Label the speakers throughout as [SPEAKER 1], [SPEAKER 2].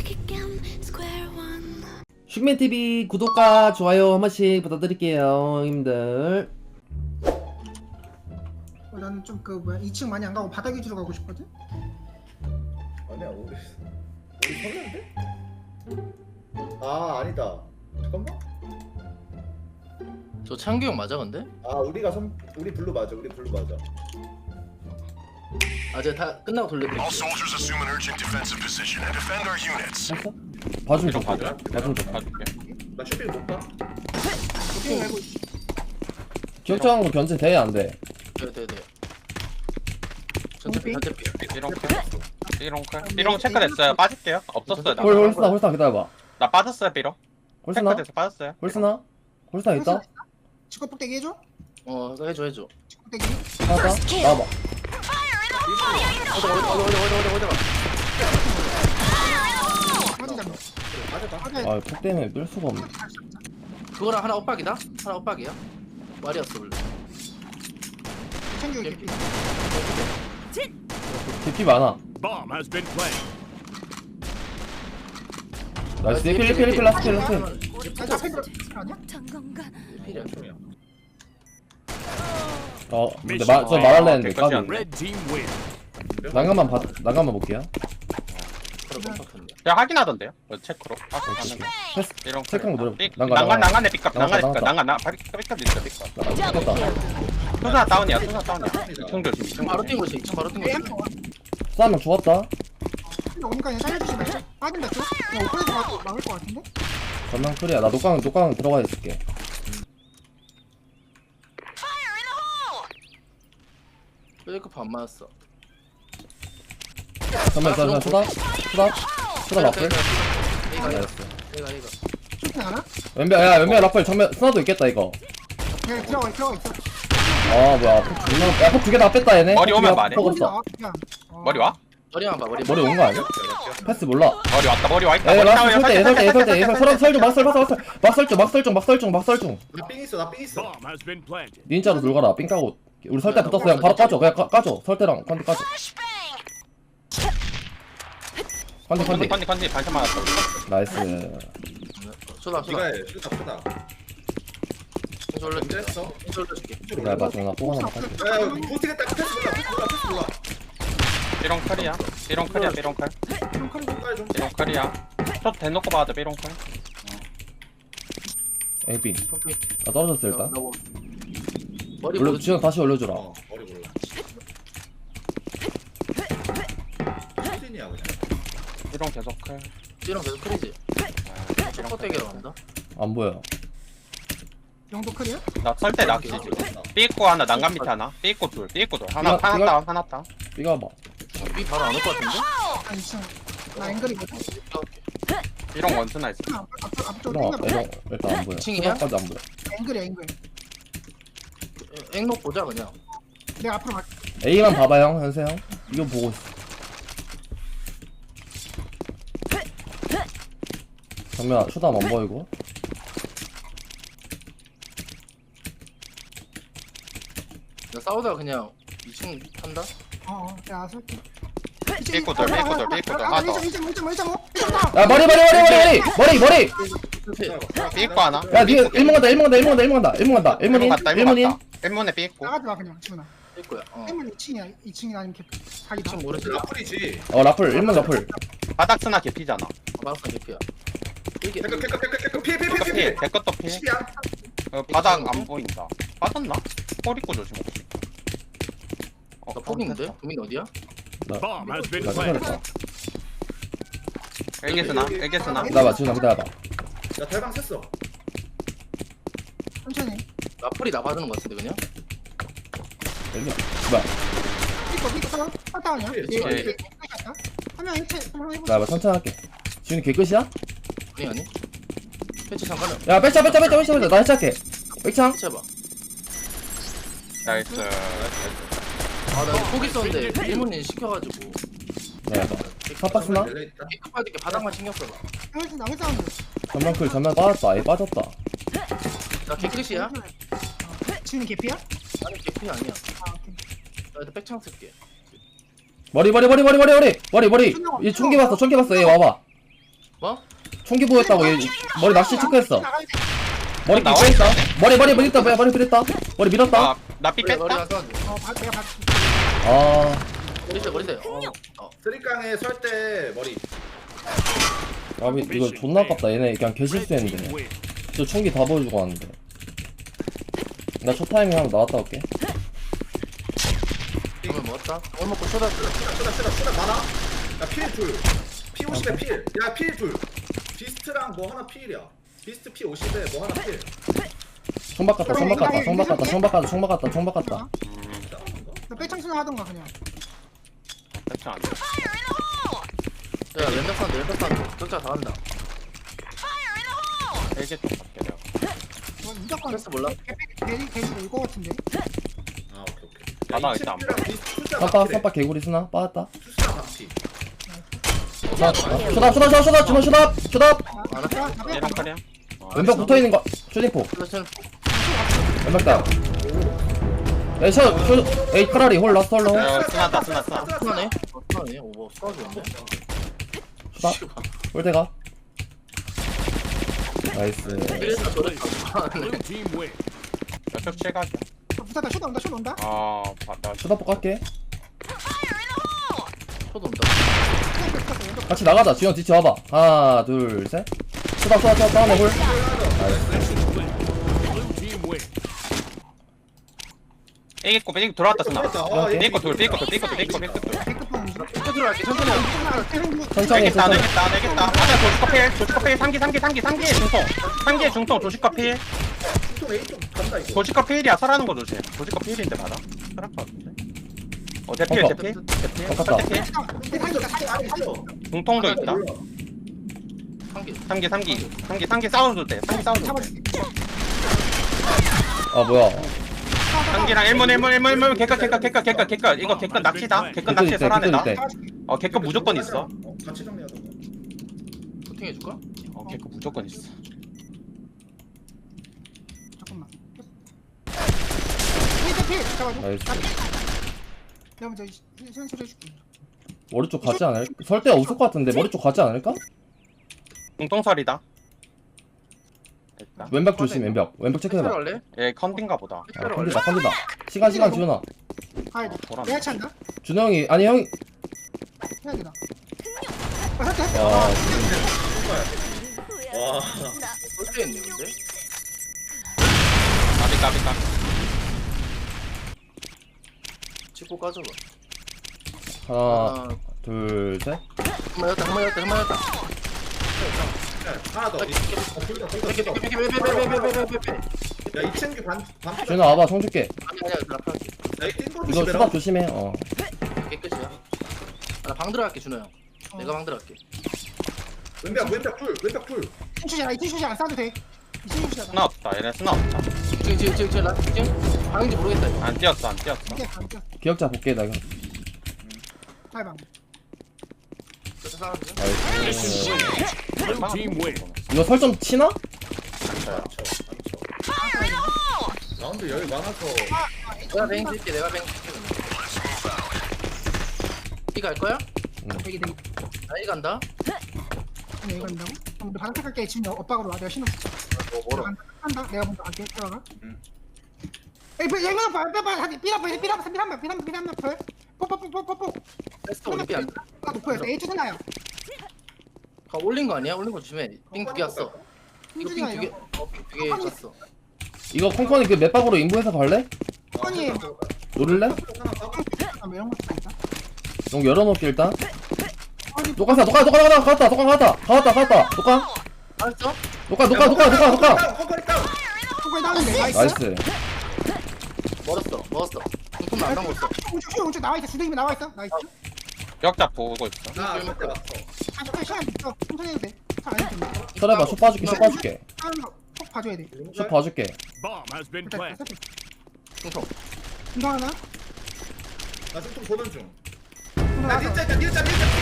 [SPEAKER 1] 슈맨TV 구독과 좋아요 한 번씩 부탁드릴게요 형님들.
[SPEAKER 2] 나는 좀 그 뭐야 2층 많이 안 가고 바닥 위주로 가고 싶거든?
[SPEAKER 3] 아니야 우리 설레인데? 아 아니다 잠깐만.
[SPEAKER 4] 저 창규 형 맞아 근데?
[SPEAKER 3] 아 우리 블루 맞아. 우리 블루 맞아.
[SPEAKER 4] 아 제가 다 끝나고 돌릴게요.
[SPEAKER 5] All soldiers assume an urgent defensive position and defend our units.
[SPEAKER 1] 했어? 봐주면 좋고
[SPEAKER 6] 봐줘요?
[SPEAKER 1] 봐주면 좋고.
[SPEAKER 6] 봐줄게.
[SPEAKER 3] 나 쇼핑 못 가?
[SPEAKER 2] 쇼핑 말고
[SPEAKER 1] 기억정한 거 변제 돼? 안 돼?
[SPEAKER 4] 네네네. 전체피 전체피.
[SPEAKER 6] 삐롱 칼. 삐롱 칼. 삐롱 체크됐어요. 빠질게요. 없었어요. 나.
[SPEAKER 1] 홀스나 기다려봐.
[SPEAKER 6] 나 빠졌어요 삐롱.
[SPEAKER 1] 홀스나?
[SPEAKER 6] 체크돼서 빠졌어요.
[SPEAKER 1] 홀스나 있다?
[SPEAKER 2] 직구 폭대기 해줘?
[SPEAKER 4] 그거 해줘.
[SPEAKER 2] 직구 폭대기
[SPEAKER 1] 나왔다? 나와봐.
[SPEAKER 4] 어디가.
[SPEAKER 2] 빠지자
[SPEAKER 3] 맞아.
[SPEAKER 1] 아 폭 때문에 뺄 수가 없네.
[SPEAKER 4] 그거랑 하나 엇박이다? 하나 엇박이야? 말이었어 원래.
[SPEAKER 2] 챙겨 이렇게
[SPEAKER 1] DP 많아.
[SPEAKER 5] Bomb has been planted.
[SPEAKER 1] 나이스. 필 라스트.
[SPEAKER 2] 나 앞에 들어 아니야?
[SPEAKER 4] 필이야.
[SPEAKER 1] 근데 저 말할래 했는데
[SPEAKER 6] 깨끗이 안
[SPEAKER 1] 까비.
[SPEAKER 6] 돼.
[SPEAKER 5] Red team win.
[SPEAKER 1] 난간만 볼게요.
[SPEAKER 4] 그래 멈췄는데.
[SPEAKER 6] 제가 확인하던데요. 체크로.
[SPEAKER 1] 패스
[SPEAKER 6] 삐롱
[SPEAKER 1] 체크한 거 노려.
[SPEAKER 6] 난간에 삐값.
[SPEAKER 1] 나갔다.
[SPEAKER 6] 난간 삐값 있어 삐값.
[SPEAKER 1] 나갔다.
[SPEAKER 6] 순사 다운이야. 순사 다운이야. 2층 조심. 2층
[SPEAKER 4] 바로
[SPEAKER 6] 조심.
[SPEAKER 4] 뛴 거지. 2층 바로 뛴 거지.
[SPEAKER 1] 싸우면 죽었다.
[SPEAKER 2] 오니까 그냥 살려주지 말자 빠진다 쭉 그냥 오픈해서 막을 것 같은데?
[SPEAKER 1] 전면 클리야. 나 녹강 들어가 있을게.
[SPEAKER 4] 웨이크업 안 맞았어.
[SPEAKER 1] 전면 쳐다 라플.
[SPEAKER 4] 얘가
[SPEAKER 1] 나이스.
[SPEAKER 2] 쇼핑 하나?
[SPEAKER 1] 왼벽 라플 정면 스나도 있겠다 이거.
[SPEAKER 2] 그냥 들어가 있어
[SPEAKER 1] 아 뭐야 폭 두 개 다 뺐다 얘네.
[SPEAKER 6] 머리 오면 말해.
[SPEAKER 1] 먹었어.
[SPEAKER 2] 그냥
[SPEAKER 6] 머리 와?
[SPEAKER 4] 머리만 봐 머리.
[SPEAKER 1] 머리 온 거 아니야? 패스 몰라.
[SPEAKER 6] 머리 왔다. 머리 와 있다.
[SPEAKER 1] 에
[SPEAKER 6] 머리
[SPEAKER 1] 라스
[SPEAKER 6] 나와요.
[SPEAKER 1] 설대 설중 막설중.
[SPEAKER 3] 나삥 있어.
[SPEAKER 5] Bomb has been planted.
[SPEAKER 1] 닌자로 돌가라. 삥 까고 우리 설대 붙었어. 그냥 바로 까줘. 그냥 까줘. 설대랑 컨디 까줘. 컨디.
[SPEAKER 6] 컨디 반찬 맞았어.
[SPEAKER 1] 나이스.
[SPEAKER 4] 쏘다.
[SPEAKER 3] 네가 해. 슈다.
[SPEAKER 4] 올려.
[SPEAKER 3] 언제 했어?
[SPEAKER 4] 올려줄게.
[SPEAKER 1] 기다려봐. 나 뽀가 하나 팔게.
[SPEAKER 3] 야 보스겠다. 패스 몰라.
[SPEAKER 6] 삐롱 칼이야. 삐롱 칼.
[SPEAKER 3] 좀.
[SPEAKER 6] 삐롱 칼이야. 첫 대놓고 봐도 삐롱 칼.
[SPEAKER 1] 에이비.
[SPEAKER 4] 커피.
[SPEAKER 1] 나 떨어졌어 일단.
[SPEAKER 4] 머리
[SPEAKER 1] 올려
[SPEAKER 4] 모르지.
[SPEAKER 1] 지금 다시 올려주라.
[SPEAKER 3] 머리 몰라. 수진이야 그냥.
[SPEAKER 6] 삐롱 계속 칼.
[SPEAKER 4] 찌랑 계속 크리지. 첫 대결 한다.
[SPEAKER 1] 안 보여.
[SPEAKER 2] 영도 클이야?
[SPEAKER 6] 나 설대 낚시 지금. 삐있고 하나 난간 밑에 하나. 삐있고 둘. 하나
[SPEAKER 1] 삐가-
[SPEAKER 6] 다운 하나 다운.
[SPEAKER 1] 삐가 봐.
[SPEAKER 4] 위 바로 안 올 것 같은데?
[SPEAKER 2] 아 2층 나 앵글이거든?
[SPEAKER 6] 삐롱 원스나 있어.
[SPEAKER 2] 앞쪽으로
[SPEAKER 1] 이런
[SPEAKER 2] 땡겨봐
[SPEAKER 1] 일단 안 보여.
[SPEAKER 4] 층이야?
[SPEAKER 1] 까지 안 보여.
[SPEAKER 2] 앵글이야 앵글
[SPEAKER 4] 앵록 보자 그냥.
[SPEAKER 2] 내가 앞으로 갈게
[SPEAKER 1] A만 봐봐 형 현세 형. 이거 보고 있어. 정면 초담 안 보이고.
[SPEAKER 4] 나 싸우다가 그냥 2층 한다?
[SPEAKER 2] 야 설게
[SPEAKER 6] 삐꾸들, 하나 더.
[SPEAKER 2] 1.5
[SPEAKER 1] 야 머리.
[SPEAKER 6] 삐있고 하나.
[SPEAKER 1] 야 니가 1문 간다.
[SPEAKER 6] 1문 갔다.
[SPEAKER 1] 1문인.
[SPEAKER 6] 1문에 삐있고.
[SPEAKER 2] 나가지 마 그냥 지훈아
[SPEAKER 4] 될 거야.
[SPEAKER 2] 1문 2층이야 2층이 아니면 사기다
[SPEAKER 4] 2층 모르지.
[SPEAKER 3] 라플이지.
[SPEAKER 1] 라플 1문 라플.
[SPEAKER 6] 바닥 스나 개피잖아.
[SPEAKER 4] 마우스 개피야. 이게
[SPEAKER 3] 피해.
[SPEAKER 6] 피해. 개것도 피해.
[SPEAKER 3] 10이야.
[SPEAKER 6] 바닥 안 보인다. 빠졌나? 꼬리 꼬 조심 혹시.
[SPEAKER 4] 나 폭인데? 도민 어디야?
[SPEAKER 5] Bomb has been
[SPEAKER 1] 나
[SPEAKER 5] planted.
[SPEAKER 1] 생각했다.
[SPEAKER 6] 엘게스나.
[SPEAKER 1] 기다려봐 지훈아 기다려봐.
[SPEAKER 3] 나 대방 셌어.
[SPEAKER 2] 천천히
[SPEAKER 4] 나풀이 나 받는 것 같은데 그냥?
[SPEAKER 1] 뭐야.
[SPEAKER 2] 삐꺼 빠따오냐?
[SPEAKER 6] 그치.
[SPEAKER 2] 한명 해체 한명 해보자
[SPEAKER 1] 기다려봐 천천히 할게. 지훈이 개끝이야?
[SPEAKER 4] 아니 패치 잠깐만
[SPEAKER 1] 야 백차. 나 해체할게. 백창.
[SPEAKER 4] 해봐.
[SPEAKER 6] 나이스.
[SPEAKER 4] 아나 폭 있었는데 1문인 시켜가지고
[SPEAKER 1] 야 탑박스나?
[SPEAKER 4] 개급할 때 바닥만 신경 써봐.
[SPEAKER 2] 나무 사운드
[SPEAKER 1] 전면 빠졌다. 얘 빠졌다.
[SPEAKER 4] 나 개끝이야?
[SPEAKER 2] 지훈이 개피야?
[SPEAKER 4] 나는 개끝이 아니야.
[SPEAKER 2] 아 오케이
[SPEAKER 4] 나 일단 백창 쓸게.
[SPEAKER 1] 머리. 얘 총기 봤어. 얘 와봐.
[SPEAKER 4] 뭐?
[SPEAKER 1] 총기 보였다고 얘 머리 낚시 체크했어.
[SPEAKER 2] 나가야 돼.
[SPEAKER 1] 머리
[SPEAKER 6] 나와
[SPEAKER 1] 끼고 있다. 머리 밀었다. 머리 밀었다. 머리 밀었다.
[SPEAKER 6] 나삐
[SPEAKER 4] 머리
[SPEAKER 6] 뺐다.
[SPEAKER 4] 가서
[SPEAKER 2] 내가 봤어.
[SPEAKER 1] 아,
[SPEAKER 4] 머리 세.
[SPEAKER 3] 쓰리깡에 설 때 머리.
[SPEAKER 1] 이거 존나 아깝다. 얘네 그냥 개실수했는데. 저 총기 다 보여주고 왔는데. 나 첫 타이밍 하고 나왔다 올게.
[SPEAKER 4] 오늘 먹었다. 오늘 먹고 쇼다.
[SPEAKER 3] 쓰다 많아. 야 필 둘. 피 50에 필. 야 필 둘. 비스트랑 뭐 하나 필이야. 비스트 피 50에 뭐 하나 필.
[SPEAKER 1] 총박 갔다.
[SPEAKER 2] 나 빼창순 하던가 그냥.
[SPEAKER 6] 뺐다 안 돼.
[SPEAKER 4] 야 왼벽산 적자 다 간다.
[SPEAKER 6] 이제 또 갈게 내가.
[SPEAKER 2] 뭐 무조건
[SPEAKER 4] 패스 몰라?
[SPEAKER 2] 대리 올거 같은데.
[SPEAKER 3] 아 오케이.
[SPEAKER 6] 바닥
[SPEAKER 3] 야, 이
[SPEAKER 6] 있다, 안
[SPEAKER 3] 친구랑 비스트 숫자 맞기래.
[SPEAKER 1] 선박 개구리 쓰나? 빠졌다.
[SPEAKER 3] 숫자 맞기.
[SPEAKER 1] 쇼답.
[SPEAKER 6] 얘랑 카리야.
[SPEAKER 1] 왼벽 붙어있는 거. 쇼딩포.
[SPEAKER 4] 플러스는
[SPEAKER 1] 왼벽 다운. 에이 카라리 홀 라스트 홀로.
[SPEAKER 6] 쓰나다.
[SPEAKER 4] 하네. 하네. 오버 싸우는데.
[SPEAKER 1] 쇼답. 홀대가. 나이스.
[SPEAKER 4] 이래서 저랬다.
[SPEAKER 6] 몇쪽 칠각이야.
[SPEAKER 2] 붙었다. 쇼 온다.
[SPEAKER 6] 나
[SPEAKER 1] 쇼답포 깎게.
[SPEAKER 4] 쇼도 온다.
[SPEAKER 1] 같이 나가자. 지현 뒤치 와봐. 하나 둘 셋. 쇼답 다음에 홀.
[SPEAKER 6] 삐고 돌아왔다 쓰나.
[SPEAKER 3] 아, 얘
[SPEAKER 6] 삐고 돌.
[SPEAKER 2] 백급통
[SPEAKER 4] 쇼 들어갈게. 천천히 하자.
[SPEAKER 1] 천천히.
[SPEAKER 6] 내겠다. 맞아 조식커필 3기 중통 조식커필.
[SPEAKER 3] 중통 A 쪽 간다 이거.
[SPEAKER 6] 조식커필이야 설하는 거 조심. 조식커필인데 받아. 설할 거 같은데. 대필.
[SPEAKER 1] 아깝다.
[SPEAKER 3] 아니죠.
[SPEAKER 6] 중통도 있다.
[SPEAKER 4] 한 개.
[SPEAKER 6] 3기 싸워도 돼. 3기 싸워도 돼.
[SPEAKER 2] 잡아줄게.
[SPEAKER 1] 아 뭐야.
[SPEAKER 6] 3기랑 1문 개껏 이거 개껏 낚시다. 개껏 낚시 설하네다. 개껏 무조건 있어.
[SPEAKER 3] 같이 정리하자.
[SPEAKER 4] 코팅 해줄까?
[SPEAKER 6] 개껏 무조건 있어.
[SPEAKER 2] 잠깐만. 필 잡아줘.
[SPEAKER 1] 나이스.
[SPEAKER 2] 내가 먼저 센스를 해줄게.
[SPEAKER 1] 머리 쪽 가지 않을? 설대가 없을 것 같은데 머리 쪽 가지 않을까?
[SPEAKER 6] 중통설이다. 됐다.
[SPEAKER 1] 왼벽 조심 왼벽 체크해봐.
[SPEAKER 4] 할래?
[SPEAKER 6] 얘 컨딘가 보다.
[SPEAKER 1] 아, 컨디다. 시간 지훈아.
[SPEAKER 2] 가야 돼.
[SPEAKER 6] 돌아.
[SPEAKER 2] 내가 찬다.
[SPEAKER 1] 준호 형이 아니 형이.
[SPEAKER 2] 해야 되나? 했다.
[SPEAKER 1] 와,
[SPEAKER 3] 와.
[SPEAKER 4] 어떻게 했네 근데?
[SPEAKER 6] 까비.
[SPEAKER 4] 찍고 까줘봐.
[SPEAKER 1] 하나, 둘, 셋.
[SPEAKER 4] 한번 열었다.
[SPEAKER 3] 하나 더. 야, 이 친구 반
[SPEAKER 1] 준호 와봐, 총 줄게.
[SPEAKER 4] 아니야 드랍할게.
[SPEAKER 3] 야, 이 띵거
[SPEAKER 1] 이거
[SPEAKER 3] 조심해라.
[SPEAKER 1] 수갑 조심해. 어.
[SPEAKER 4] 깨끗이야. 나 방 들어갈게 준호 형. 내가 방 들어갈게.
[SPEAKER 3] 왼벽 풀.
[SPEAKER 2] 이 티슈지 안 싸도 돼. 이 티슈지 안.
[SPEAKER 6] 스나 없다. 얘네 스나 없다.
[SPEAKER 4] 지금 나 지금 방인지 모르겠다 이거.
[SPEAKER 6] 안 뛰었어.
[SPEAKER 2] 이게 반격.
[SPEAKER 1] 기억자 볼게 나 이거.
[SPEAKER 2] 탈방.
[SPEAKER 4] 저 사람이야?
[SPEAKER 1] 나이스.
[SPEAKER 6] 얼마나
[SPEAKER 1] 이거 설정 치나?
[SPEAKER 3] 라운드 여유 많아서
[SPEAKER 4] 내가 뱅 줄게. 이거 할 거야?
[SPEAKER 2] 되게
[SPEAKER 4] 나 이거 간다.
[SPEAKER 2] 이거 한다고? 그럼 우리 바닥 갈게. 지금 엇박으로 와. 내가 신호 줄게.
[SPEAKER 4] 뭐라?
[SPEAKER 2] 한다. 내가 먼저 갈게. 들어가.
[SPEAKER 3] 응.
[SPEAKER 2] 에이, 얘가 봐. 삐라봐. 뽀뽀.
[SPEAKER 4] 테스트 올림피 안.
[SPEAKER 2] 아, 높여야 돼. A 투나요.
[SPEAKER 4] 올린 거 아니야? 올린 거 조심해. 삥 두 개 왔어. 이거 삥 두 개. 삥 두 개 쳤어.
[SPEAKER 1] 이거 콩콩이 그 맷박으로 인부해서 갈래?
[SPEAKER 2] 아니,
[SPEAKER 1] 노릴래?
[SPEAKER 2] 이런 거 있다.
[SPEAKER 1] 용 열어놓을게 일단.
[SPEAKER 2] 아니,
[SPEAKER 1] 녹강 갔다. 녹강.
[SPEAKER 4] 알았어?
[SPEAKER 1] 녹강.
[SPEAKER 3] 컴퍼니 다운.
[SPEAKER 2] 그거 나오는데.
[SPEAKER 1] 나이스.
[SPEAKER 4] 먹었어. 조금 안 남았어.
[SPEAKER 2] 우측 나와 있어. 주둥이 나와 있어. 나이스.
[SPEAKER 6] 역자 보고 있어.
[SPEAKER 3] 나 설때 맞어.
[SPEAKER 2] 시간 있어. 천천히 해도 돼. 잘안 해도 돼.
[SPEAKER 1] 설해봐. 슛 봐줄게.
[SPEAKER 2] 하는 거꼭 봐줘야 돼.
[SPEAKER 1] 슛 봐줄게.
[SPEAKER 5] Bomb has been
[SPEAKER 2] 일단
[SPEAKER 5] planted.
[SPEAKER 4] 충성.
[SPEAKER 2] 중성 하나.
[SPEAKER 3] 나 지금 보는 중.
[SPEAKER 2] 중성
[SPEAKER 3] 나
[SPEAKER 2] 하나.
[SPEAKER 3] 밀자.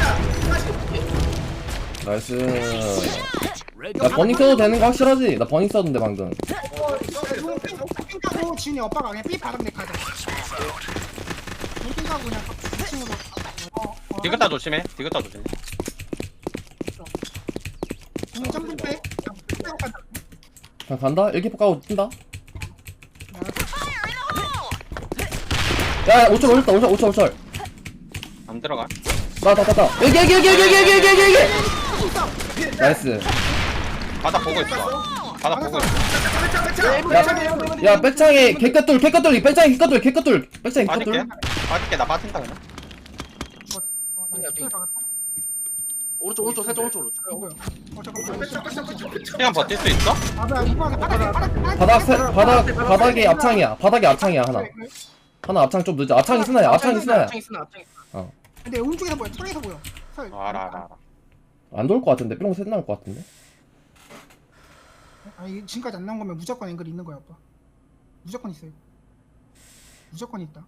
[SPEAKER 1] 나이스.
[SPEAKER 5] Red
[SPEAKER 1] 나 버닝 써도 되는 거 확실하지? 나 버닝 썼는데 방금.
[SPEAKER 2] 핑가고 지훈이 오빠가 그냥 삐 바람 내 가자. 핑가고 그냥 2층으로.
[SPEAKER 6] 디귿다 조심해.
[SPEAKER 2] 그냥 점프 빼.
[SPEAKER 1] 그냥 간다? 일기포 까고 뛴다? 야 5철 올렸다 5철
[SPEAKER 6] 안 들어가.
[SPEAKER 1] 나다 여기 나이스.
[SPEAKER 6] 바닥 보고 있어. 바닥 보고 있어.
[SPEAKER 1] 야 백창에 개껏돌 백창에 개껏돌
[SPEAKER 6] 빠질게. 나 빠진다 그냥.
[SPEAKER 4] 오른쪽 살짝 오른쪽으로.
[SPEAKER 6] 시간 버틸 수 있어?
[SPEAKER 1] 바닥에 앞창이야 하나 앞창 좀 늦어. 앞창이 스나야.
[SPEAKER 2] 근데 오른쪽에서 보여. 창에서 보여.
[SPEAKER 6] 알아.
[SPEAKER 1] 안 돌 것 같은데. 뿅 셋 나올 것 같은데.
[SPEAKER 2] 아니 지금까지 안 나온 거면 무조건 앵글이 있는 거야 오빠. 무조건 있어요. 무조건 있다.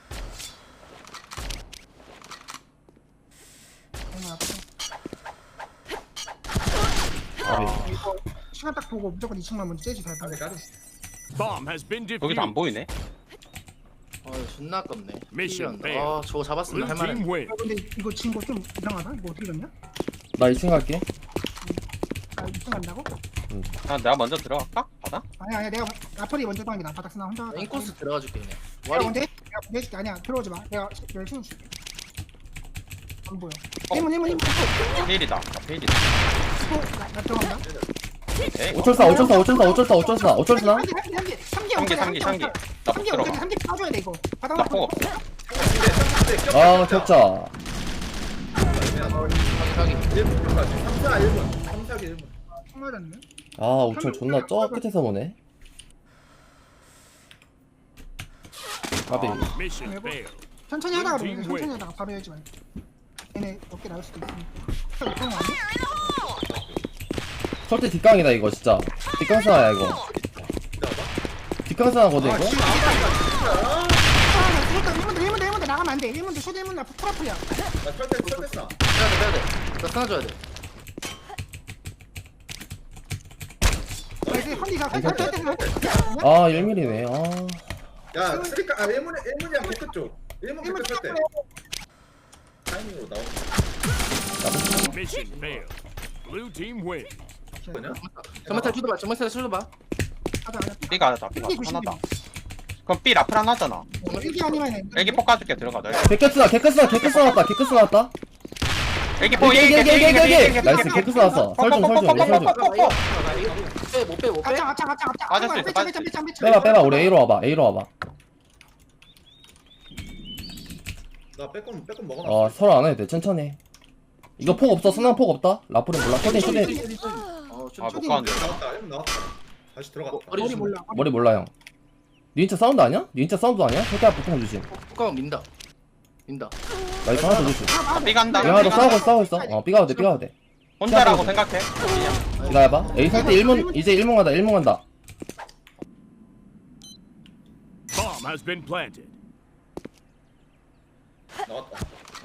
[SPEAKER 2] 이거 시간 딱 보고 무조건 2층만 먼저 째지 잘 봐.
[SPEAKER 5] Bomb has been
[SPEAKER 6] 거기서 안
[SPEAKER 5] defused.
[SPEAKER 6] 보이네.
[SPEAKER 4] 존나 아깝네.
[SPEAKER 5] Mission
[SPEAKER 4] 필요한다. 아 저거 잡았으면
[SPEAKER 5] Blue
[SPEAKER 4] 할만해.
[SPEAKER 5] team win.
[SPEAKER 2] 근데 이거 지금 좀 이상하다. 이거 어떻게 됐냐?
[SPEAKER 1] 나 2층 갈게.
[SPEAKER 2] 아 2층 간다고?
[SPEAKER 6] 내가 먼저 들어갈까? 바닥?
[SPEAKER 2] 아니야 내가 라플이 먼저 당기나 바닥 쓰나 혼자.
[SPEAKER 4] 인코스 들어가줄게 그냥.
[SPEAKER 2] 내가
[SPEAKER 4] 와리.
[SPEAKER 2] 먼저 해? 내가 먼저 해줄게. 아니야 들어오지 마. 내가 열심히 줄게. 안 보여.
[SPEAKER 6] 어.
[SPEAKER 2] 1문
[SPEAKER 6] 페일이다. 페일이다.
[SPEAKER 2] 나 들어간다.
[SPEAKER 6] 에이,
[SPEAKER 1] 5철 사.
[SPEAKER 6] 상기. 나 못 들어가.
[SPEAKER 2] 3개 빠져야 돼 이거. 바닥
[SPEAKER 6] 나 포고.
[SPEAKER 1] 아 격자.
[SPEAKER 4] 자기.
[SPEAKER 3] 3-4 1분
[SPEAKER 2] 맞았네.
[SPEAKER 1] 아 5철 존나 저 끝에서 보네. 까비.
[SPEAKER 5] Mission failed.
[SPEAKER 2] 천천히 하다가 그러면 돼. 천천히 하다가 바로 열지 말고. 얘네 어깨 나올 수도 있으니까.
[SPEAKER 1] 설대 뒷강이다 이거 진짜. 뒷강 스나야 이거. 뒷강 스나거든 이거.
[SPEAKER 2] 그러니까 1문도 나가면 안 돼. 1문도 쇼드 1문 앞 프라프야.
[SPEAKER 3] 나 철대 나
[SPEAKER 4] 빼야 돼. 나 하나 줘야 돼.
[SPEAKER 2] 컨디가
[SPEAKER 1] 아 1mm네. 아.
[SPEAKER 3] 야 쓰리까 1문이랑 개끝 쪽 1문 개끝 철대 타이밍으로 나오는
[SPEAKER 5] Mission failed. Blue team win.
[SPEAKER 3] 거냐?
[SPEAKER 4] 정말 잘 쳐줘봐.
[SPEAKER 6] B가 하나다. 그럼 B 라플 하나잖아.
[SPEAKER 2] 일기 아니면
[SPEAKER 6] 애기 폭 까줄게. 들어가. 너
[SPEAKER 1] 개끝 나왔다.
[SPEAKER 6] 애기 폭.
[SPEAKER 1] 나이스 개끝 나왔어. 설중.
[SPEAKER 4] 못 빼.
[SPEAKER 6] 빠질 수 있어,
[SPEAKER 1] 빼봐 우리 A로 와봐.
[SPEAKER 3] 나 빼꼼 먹어놨어
[SPEAKER 1] 어 서로 안 해도 돼. 천천히. 이거 폭 없어. 스나 폭 없다. 라플은 몰라. 쇼딩.
[SPEAKER 6] 못 가는데.
[SPEAKER 3] 나왔다 1문 나왔다 다시 들어갔다
[SPEAKER 2] 머리 몰라.
[SPEAKER 1] 머리 몰라 형. 닌자 사운드 아니야? 닌자 사운드 아니야? 살짝 보통 주심.
[SPEAKER 4] poka면 민다.
[SPEAKER 1] 나이스 하나 더 주심.
[SPEAKER 6] B 간다.
[SPEAKER 1] 야 너 싸우고 있어. 삐가도 돼.
[SPEAKER 6] 혼자라고 생각해.
[SPEAKER 1] 이거 해봐. A 살때 1문 이제 1문 간다.
[SPEAKER 5] Bomb has been planted.
[SPEAKER 3] 나왔다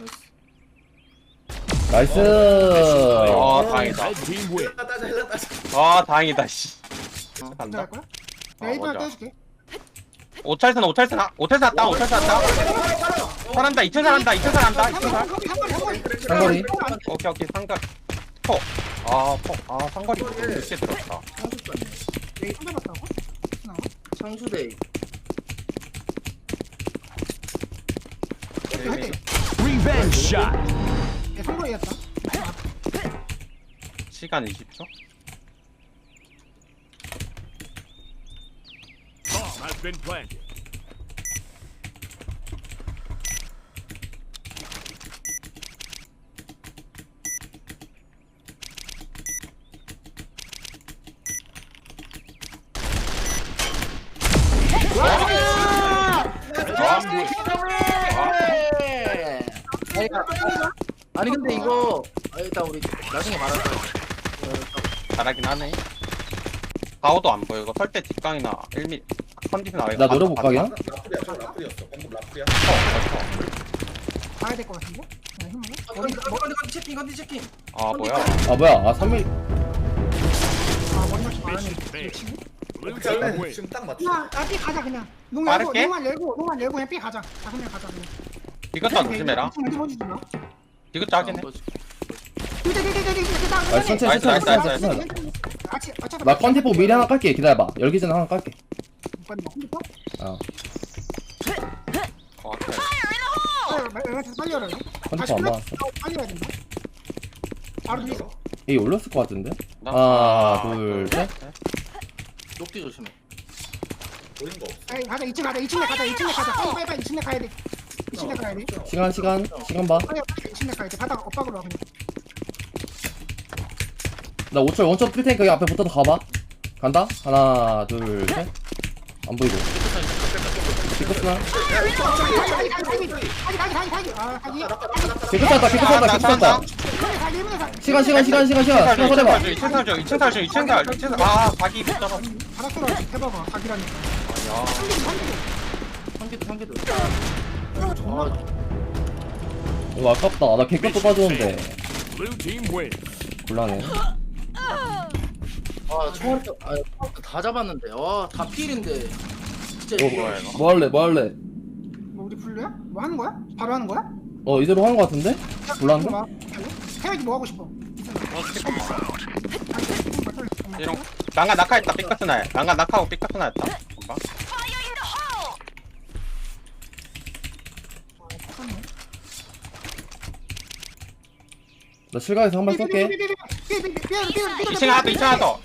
[SPEAKER 1] 나이스.
[SPEAKER 6] 다행이다.
[SPEAKER 5] Red team win.
[SPEAKER 3] 따자
[SPEAKER 6] 다행이다. 씨.
[SPEAKER 2] 할
[SPEAKER 6] 간다.
[SPEAKER 2] 거야? 내가 1번
[SPEAKER 6] 맞아.
[SPEAKER 2] 떼줄게.
[SPEAKER 6] 5철 샀다. 살한다. 2층 살한다. 2층 살.
[SPEAKER 1] 상거리.
[SPEAKER 6] 오케이. 상거리. 폭. 상거리 늦게 들었다.
[SPEAKER 2] 내가 손잡았다고?
[SPEAKER 4] 창수대.
[SPEAKER 2] 할게.
[SPEAKER 5] Revenge shot.
[SPEAKER 2] 얘 선거리였다.
[SPEAKER 6] 시간 20초.
[SPEAKER 5] Bomb has been planted.
[SPEAKER 4] 아니 근데 이거 일단 우리 나중에 말할까.
[SPEAKER 6] 잘하긴 하네. 가오도 안 보여. 이거 설대 뒷강이나 1mm 컨디션 아래.
[SPEAKER 1] 나 노려볼까 그냥?
[SPEAKER 3] 라플이었어 방금 라플이야
[SPEAKER 2] 가야 될 것 같은데? 그냥 힘으로?
[SPEAKER 4] 건디 체킹.
[SPEAKER 6] 뭐야?
[SPEAKER 1] 아 뭐야? 아 3mm.
[SPEAKER 2] 머리 맞추 말하는
[SPEAKER 5] Mission failed.
[SPEAKER 2] 친구?
[SPEAKER 5] Blue
[SPEAKER 3] 어떻게
[SPEAKER 5] team
[SPEAKER 3] 할래?
[SPEAKER 5] win.
[SPEAKER 3] 지금 딱 맞지
[SPEAKER 2] 야, 삐 가자 그냥. 농
[SPEAKER 6] 빠를게?
[SPEAKER 2] 열고 그냥 삐 가자. 그냥 가자 그냥.
[SPEAKER 6] 이것도 조심해라.
[SPEAKER 2] 어디 보여주지 마.
[SPEAKER 6] 이것도 하긴 해.
[SPEAKER 1] 아 천천히
[SPEAKER 6] 나이스,
[SPEAKER 1] 천천히
[SPEAKER 6] 나이스,
[SPEAKER 1] 천천히.
[SPEAKER 2] 같이
[SPEAKER 1] 나 컨티포 미리 하나 깔게. 기다려봐. 열기 전에 하나 깔게. 어.
[SPEAKER 2] 빨리 열어요.
[SPEAKER 1] 컨티포 안 맞았어.
[SPEAKER 2] 빨리 해야 된다. 바로 뒤에
[SPEAKER 1] 이 올렸을 것 같은데?
[SPEAKER 6] 나-
[SPEAKER 1] 하나 둘 셋.
[SPEAKER 4] 녹디 조심해.
[SPEAKER 3] 보이는 거 없어.
[SPEAKER 2] 아이, 가자 2층 가자 2층 가자 2층 가자 빨리 2층 가야 돼 2층 가야 돼
[SPEAKER 1] 시간 봐.
[SPEAKER 2] 빨리 2층 가야 돼 바닥 엇박으로 와 그냥
[SPEAKER 1] 나 5철 원점 뜰 테니까 여기 앞에 붙어서 가봐. 간다. 하나 둘 셋. 안 보이고. 피커스나. 피커스났다. 피커스났다. 시간 서래봐.
[SPEAKER 6] 2층 살. 아, 각이 못 잡아.
[SPEAKER 2] 바닥으로 해봐봐 각이라니까
[SPEAKER 6] 야.
[SPEAKER 4] 한개도
[SPEAKER 1] 이거 아깝다. 나 개값도 빠졌는데.
[SPEAKER 5] Blue team win.
[SPEAKER 1] 곤란해.
[SPEAKER 4] 총알도 다 잡았는데 다 필인데 진짜
[SPEAKER 6] 뭐야, 이거?
[SPEAKER 1] 뭐 할래?
[SPEAKER 2] 뭐 우리 블루야? 뭐 하는 거야? 바로 하는 거야?
[SPEAKER 1] 이대로 하는 거 같은데? 곤란한데?
[SPEAKER 2] 태혁이 뭐 하고 싶어?
[SPEAKER 6] 이런 난가 낙하했다. 삐까스나. 난가 낙하고 삐까스나였다. 뭔가?
[SPEAKER 1] 나 실각에서 한 발 쏠게.
[SPEAKER 6] 2층 하나 더.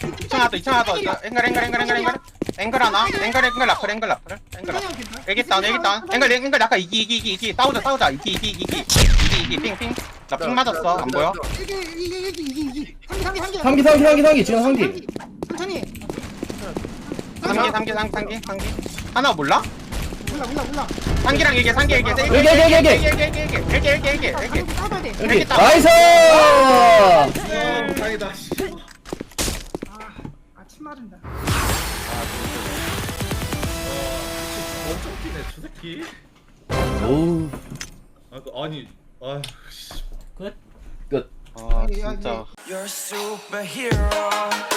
[SPEAKER 6] 앵글 하나. 앵글 라플. 여기 있다. 앵글 낙하 이기. 싸우자. 이기. 핑. 나 핑 맞았어. 안 보여?
[SPEAKER 2] 이기
[SPEAKER 1] 상기 지금 상기.
[SPEAKER 2] 천천히
[SPEAKER 6] 상기. 하나 몰라?
[SPEAKER 2] 몰라
[SPEAKER 6] 상기랑 얘기해.
[SPEAKER 1] 여기.
[SPEAKER 2] 싸워야 돼
[SPEAKER 1] 여기. 나이스!
[SPEAKER 3] 다행이다.
[SPEAKER 2] 아침 마른다
[SPEAKER 3] 엄청 뛰네 저 새끼.
[SPEAKER 1] 오우.
[SPEAKER 3] 아니
[SPEAKER 1] 끝.
[SPEAKER 6] 아, 진짜.
[SPEAKER 7] You're a superhero.